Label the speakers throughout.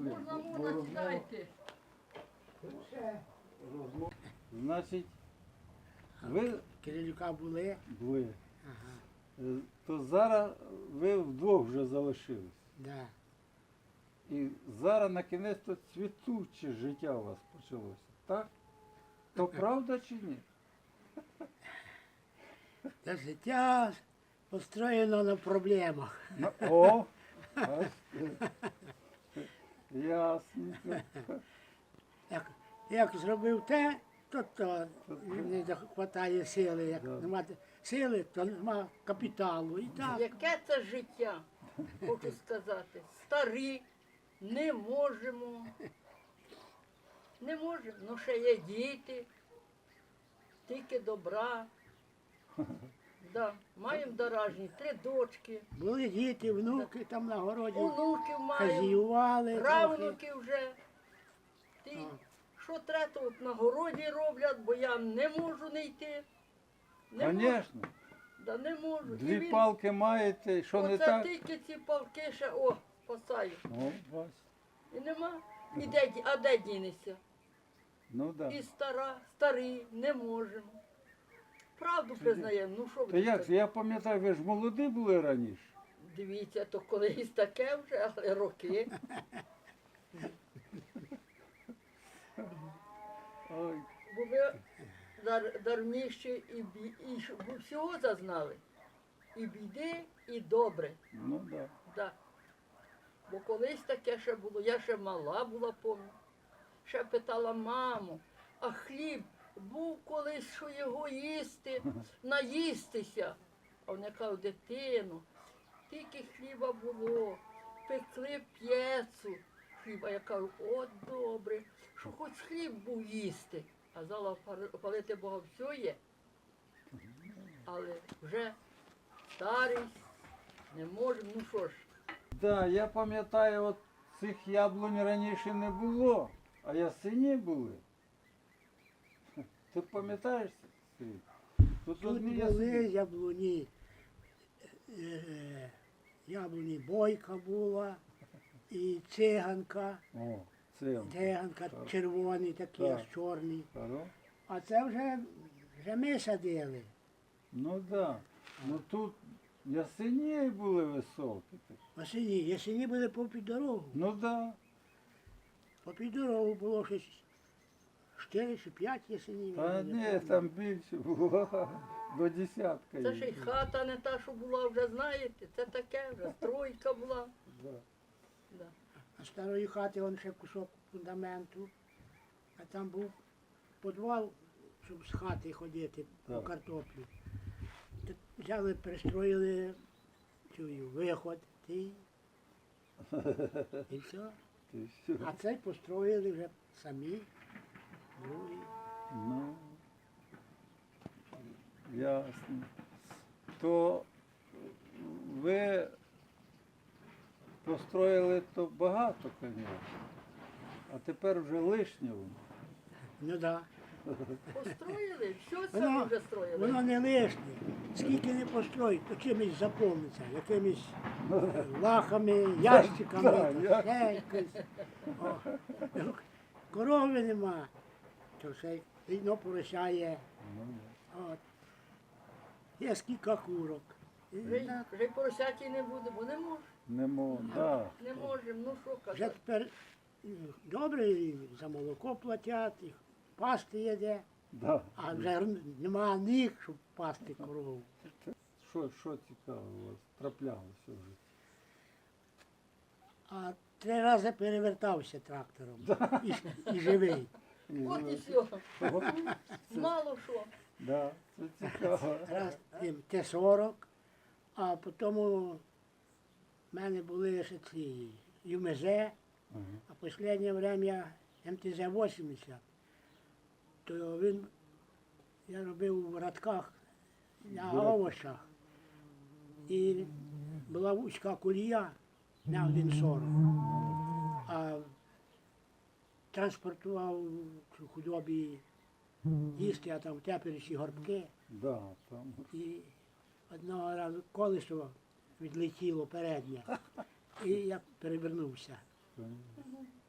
Speaker 1: пішли.
Speaker 2: Можна, сідайте.
Speaker 1: Значить, ви
Speaker 3: Кирилюка були.
Speaker 1: були.
Speaker 3: Ага,
Speaker 1: То зараз ви вдвох вже залишились.
Speaker 3: да.
Speaker 1: І зараз на кінець то цвітуче життя у вас почалося, так? То правда чи ні?
Speaker 3: Та життя построєно на проблемах.
Speaker 1: Ну, о! бачите. Ясненько.
Speaker 3: Як зробив те, то не вистачає сили. Як
Speaker 1: Да.
Speaker 3: нема сили, то нема капіталу. І так.
Speaker 2: Яке це життя, хочу сказати. Старі, не можемо. Не можемо. Ну ще є діти, тільки добра. Да. Маємо доражні, 3 дочки,
Speaker 3: Були діти, внуки там на городі
Speaker 2: онуків маємо,
Speaker 3: хазіювали. трохи.
Speaker 2: правнуків вже. Ти,
Speaker 3: Так.
Speaker 2: що треба, то от на городі роблять, бо я не можу не йти. Не можу.
Speaker 1: Звісно.
Speaker 2: Да не можу. І
Speaker 1: Дві
Speaker 2: він-
Speaker 1: палки маєте, що не
Speaker 2: Оце
Speaker 1: так?
Speaker 2: тільки ці палки ще, о, спасаю.
Speaker 1: Ну, бачите.
Speaker 2: І нема. І де, а де дінеться?
Speaker 1: Ну так.
Speaker 2: І старі, не можемо. Правду признаємо, ну що
Speaker 1: То
Speaker 2: ви
Speaker 1: як
Speaker 2: так?
Speaker 1: же, я пам'ятаю, ви ж молоді були раніше.
Speaker 2: Дивіться, то колись таке вже, але роки.
Speaker 1: Ой,
Speaker 2: Бо ви дарміші і всього зазнали. І біди, і добре.
Speaker 1: ну так. Да.
Speaker 2: Да. Бо колись таке ще було, я ще мала була, пам'ятаю. Ще питала маму, а хліб був колись, що його їсти, наїстися. А вони кажуть, дитину, тільки хліба було, пекли п'єцу хліба. Я кажу, от добре, що хоч хліб був їсти. А зала палити Бога все є. Але вже старість, не можемо, ну що ж.
Speaker 1: Да, я пам'ятаю, от цих яблунь раніше не було, а ясені були. Ти пам'ятаєш, Сергій? Тут
Speaker 3: Тут
Speaker 1: одні
Speaker 3: були
Speaker 1: ясені.
Speaker 3: яблуні бойка була, і циганка.
Speaker 1: О, це.
Speaker 3: Циганка
Speaker 1: Так.
Speaker 3: червоний, такий
Speaker 1: Так.
Speaker 3: аж чорний.
Speaker 1: Хоро?
Speaker 3: А це вже ми садили.
Speaker 1: Ну так. Да. Ну тут ясені були високі.
Speaker 3: Осені. Ясені були попід дорогу.
Speaker 1: Ну так. Да.
Speaker 3: Попід дорогу було щось 4 чи 5 ясенів.
Speaker 1: Та
Speaker 3: я не
Speaker 1: ні,
Speaker 3: пам'ятаю.
Speaker 1: там більше було. До десятка.
Speaker 2: Це ж і
Speaker 1: їх.
Speaker 2: хата не та, що була, вже знаєте, це таке, вже стройка була.
Speaker 1: Да.
Speaker 2: Да.
Speaker 3: А старої хати он ще кусок фундаменту, а там був підвал, щоб з хати ходити по
Speaker 1: Так.
Speaker 3: картоплю. Тут взяли, пристроїли виход, і все.
Speaker 1: Ти що?
Speaker 3: А цей построїли вже самі, другий.
Speaker 1: Ну, ясно. То ви построїли то багато, звісно, а тепер вже лишнє воно.
Speaker 3: Ну так.
Speaker 2: Построїли, все самі
Speaker 3: Воно,
Speaker 2: вже строїли.
Speaker 3: воно не лишнє. Скільки не построїть, то чимось заповниться, якимись лахами, ящиками,
Speaker 1: Да,
Speaker 3: та ще якось. О, корови нема, то все рідно поросяє.
Speaker 1: Ну,
Speaker 3: От. Є скільки курок. І так,
Speaker 2: Вже й поросяті не буде, бо не можемо.
Speaker 1: не можу, да.
Speaker 2: Не можемо, ну що
Speaker 3: вже
Speaker 2: казати.
Speaker 3: тепер добре і за молоко платять, і пасти їде,
Speaker 1: Да.
Speaker 3: а вже нема ніг, щоб пасти корову.
Speaker 1: Що цікаво у вас траплялося вже?
Speaker 3: А 3 рази перевертався трактором і живий.
Speaker 2: От і все. Мало що.
Speaker 1: Да, це цікаво.
Speaker 3: Раз Т-40, а потім у мене були ще ці ЮМЗ,
Speaker 1: Ага.
Speaker 3: а останнє время МТЗ-80. То я робив в радках на овочах. І була вузька колія на 1,40. А транспортував цю худобі їсти, а там теперіші горбки.
Speaker 1: Да, там.
Speaker 3: І одного разу колесо відлетіло переднє. І я перевернувся.
Speaker 1: Понятно.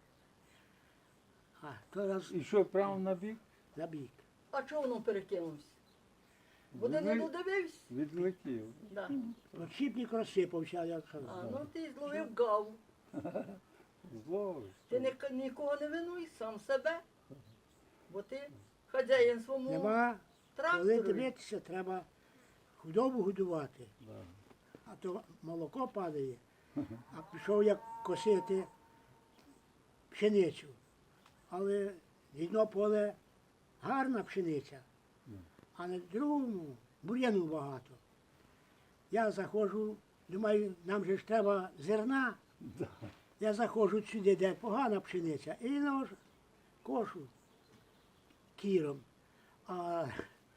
Speaker 3: А то раз
Speaker 1: І що, прямо на бік?
Speaker 3: на бік.
Speaker 2: А чого воно перекинувся? Бо ти не
Speaker 1: Відли-
Speaker 2: додивився?
Speaker 1: Відлетів.
Speaker 2: Да.
Speaker 3: Розсипник розсипався, як
Speaker 2: А,
Speaker 3: сказав.
Speaker 2: ну ти зловив гаву.
Speaker 1: Зловиш.
Speaker 2: Ти нікого не винуй, сам себе. Бо ти хазяїн своєму
Speaker 3: Нема, коли
Speaker 2: трактору.
Speaker 3: дивитися, треба худобу годувати.
Speaker 1: Да.
Speaker 3: А то молоко падає. А пішов як косити пшеницю. Але в одно поле гарна пшениця, а на другому бур'яну багато. Я заходжу, думаю, нам же ж треба зерна. Я заходжу сюди, де погана пшениця, і кошу кіром. А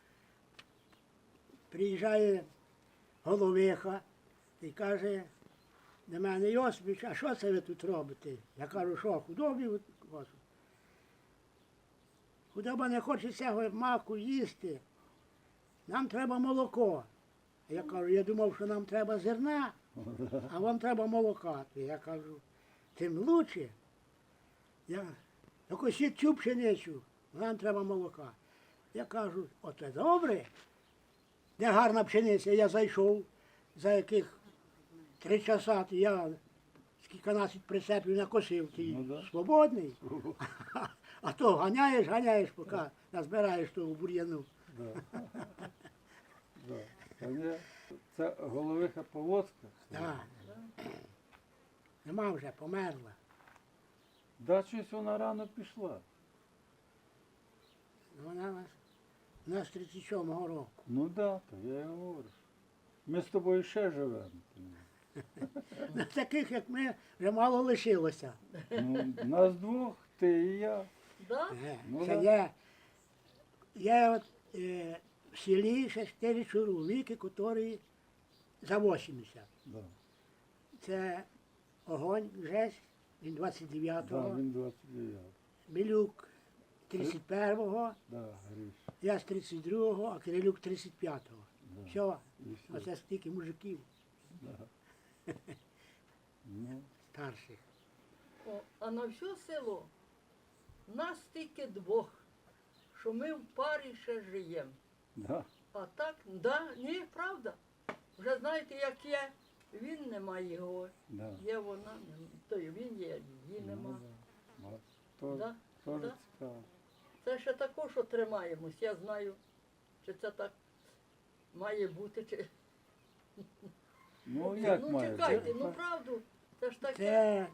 Speaker 3: приїжджає головиха і каже до мене: Йосипович, а що це ви тут робите? Я кажу, що худобі косу. Худоба не хоче цього маку їсти. Нам треба молоко. Я кажу, я думав, що нам треба зерна, а вам треба молока. Я кажу, тим лучше. Я косіть цю пшеницю, нам треба молока. Я кажу, оце добре. Де гарна пшениця, я зайшов, за яких 3 часа, то я скільканадцять прицепів накосив, ти
Speaker 1: Ну, да.
Speaker 3: свободний. А то ганяєш, поки назбираєш того бур'яну.
Speaker 1: Да. Да. Це головиха Поводська?
Speaker 3: Да. Нема вже, померла.
Speaker 1: Да, щось вона рано пішла.
Speaker 3: Вона у нас 37-го року.
Speaker 1: Ну да, то я й говорю. Ми з тобою ще живемо.
Speaker 3: Таких, як ми, вже мало лишилося.
Speaker 1: Ну, нас двох, ти і я.
Speaker 2: Да?
Speaker 1: Ну,
Speaker 3: Це
Speaker 1: да.
Speaker 3: є от, в селі ще 4 чоловіки, які за 80.
Speaker 1: Да.
Speaker 3: Це Огонь Жесть, він
Speaker 1: Да,
Speaker 3: 29-го,
Speaker 1: він 29.
Speaker 3: Білюк 31-го,
Speaker 1: Да, Гриш.
Speaker 3: я з 32-го, а Кирилюк 35-го.
Speaker 1: Да.
Speaker 3: Все,
Speaker 1: І все.
Speaker 3: оце стільки мужиків
Speaker 1: Ну,
Speaker 3: старших.
Speaker 2: О, а на все село нас тільки двох, що ми в парі ще живемо.
Speaker 1: да.
Speaker 2: А так, да, ні, правда. Вже знаєте, як є, він нема його,
Speaker 1: Да.
Speaker 2: є вона, то й він є, її
Speaker 1: Ну,
Speaker 2: нема.
Speaker 1: да. От, то,
Speaker 2: Да,
Speaker 1: Теж
Speaker 2: да.
Speaker 1: цікаво.
Speaker 2: Це ще також, що тримаємось. Я знаю, чи це так має бути, чи.
Speaker 1: Ну, як
Speaker 2: ну
Speaker 1: має
Speaker 2: чекайте,
Speaker 1: бути?
Speaker 2: ну правду, це ж таке.
Speaker 3: Це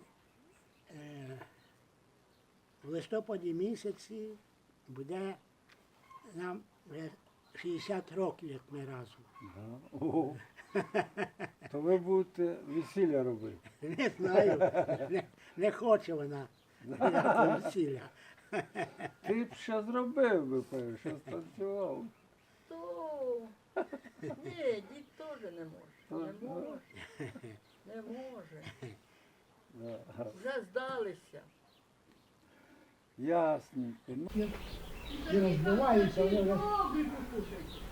Speaker 3: в листопаді місяці буде нам вже 60 років, як ми разом.
Speaker 1: Да. Ого. То ви будете весілля робити.
Speaker 3: Не знаю, не хоче вона ніякого весілля.
Speaker 1: Ти б ще зробив би, певно, ще станцював.
Speaker 2: То ні, дід теж не може. Не може. Не може.
Speaker 1: Да.
Speaker 2: Вже здалися.
Speaker 1: Ясненько. Ну,
Speaker 3: І розбиваються, вони вже
Speaker 2: Добрі покушайте.